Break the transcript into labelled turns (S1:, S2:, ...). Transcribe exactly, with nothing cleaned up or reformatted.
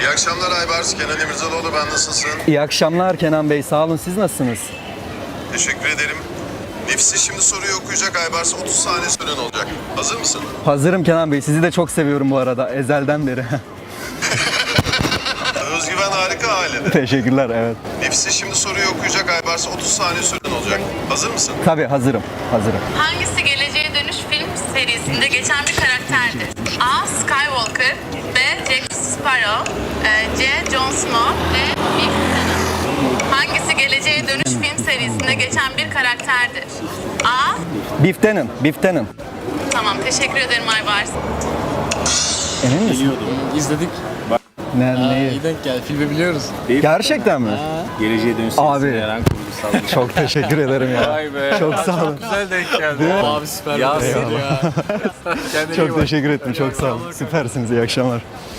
S1: İyi akşamlar Aybars. Kenan İmirzalıoğlu, ben, nasılsın?
S2: İyi akşamlar Kenan Bey, sağ olun. Siz nasılsınız?
S1: Teşekkür ederim. Nefsi şimdi soruyu okuyacak Aybars. otuz saniye süren olacak. Hazır mısın?
S2: Hazırım Kenan Bey. Sizi de çok seviyorum bu arada, ezelden beri.
S1: Özgüven harika ailede.
S2: Teşekkürler, evet.
S1: Nefsi şimdi soruyu okuyacak Aybars. otuz saniye süren olacak. Hazır mısın?
S2: Tabii hazırım, hazırım.
S3: Hangisi Geleceğe Dönüş film serisinde geçen bir karakterdir? A. Skywalker, B. Jack Sparrow, e, C. Jon Snow, D. Biff Tannen. Hangisi Geleceğe Dönüş film serisinde geçen bir karakterdir? A.
S2: Biftenin, biftenin.
S3: Tamam, teşekkür ederim Aybars.
S2: Emin misin?
S4: Biliyordum. İzledik.
S2: Ne,
S4: Aa,
S2: neyi?
S4: iyi denk geldi. Filmi biliyoruz.
S2: Gerçekten mi?
S4: Geleceğe dönüş
S2: Abi.
S4: serisinde yer kurgusal.
S2: Çok teşekkür ederim ya.
S4: Vay be.
S2: Çok sağ olun.
S4: Güzel denk geldi. Abi süper. Yasir ya. Kendine iyi
S2: Çok
S4: bak.
S2: teşekkür ettim, çok sağ olun. Süpersiniz, iyi akşamlar.